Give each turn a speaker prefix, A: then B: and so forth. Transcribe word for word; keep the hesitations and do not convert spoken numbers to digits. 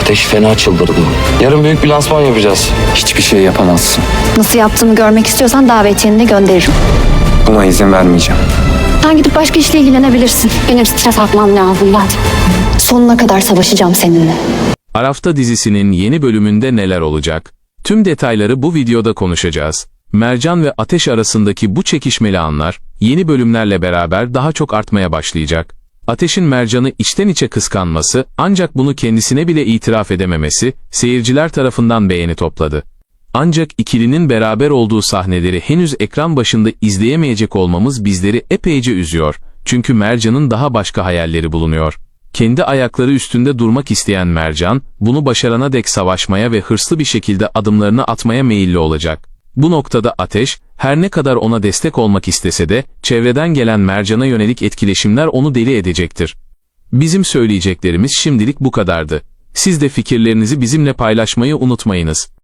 A: Ateş fena çıldırdı. Yarın büyük bir lansman yapacağız.
B: Hiçbir şey yapamazsın.
C: Nasıl yaptığımı görmek istiyorsan davetiyeni de gönderirim.
B: Buna izin vermeyeceğim.
C: Sen gidip başka işle ilgilenebilirsin. Benim stres atmam lazım zaten. Sonuna kadar savaşacağım seninle.
D: Arafta dizisinin yeni bölümünde neler olacak? Tüm detayları bu videoda konuşacağız. Mercan ve Ateş arasındaki bu çekişmeli anlar, yeni bölümlerle beraber daha çok artmaya başlayacak. Ateş'in Mercan'ı içten içe kıskanması, ancak bunu kendisine bile itiraf edememesi, seyirciler tarafından beğeni topladı. Ancak ikilinin beraber olduğu sahneleri henüz ekran başında izleyemeyecek olmamız bizleri epeyce üzüyor. Çünkü Mercan'ın daha başka hayalleri bulunuyor. Kendi ayakları üstünde durmak isteyen Mercan, bunu başarana dek savaşmaya ve hırslı bir şekilde adımlarını atmaya meyilli olacak. Bu noktada Ateş, her ne kadar ona destek olmak istese de, çevreden gelen Mercan'a yönelik etkileşimler onu deli edecektir. Bizim söyleyeceklerimiz şimdilik bu kadardı. Siz de fikirlerinizi bizimle paylaşmayı unutmayınız.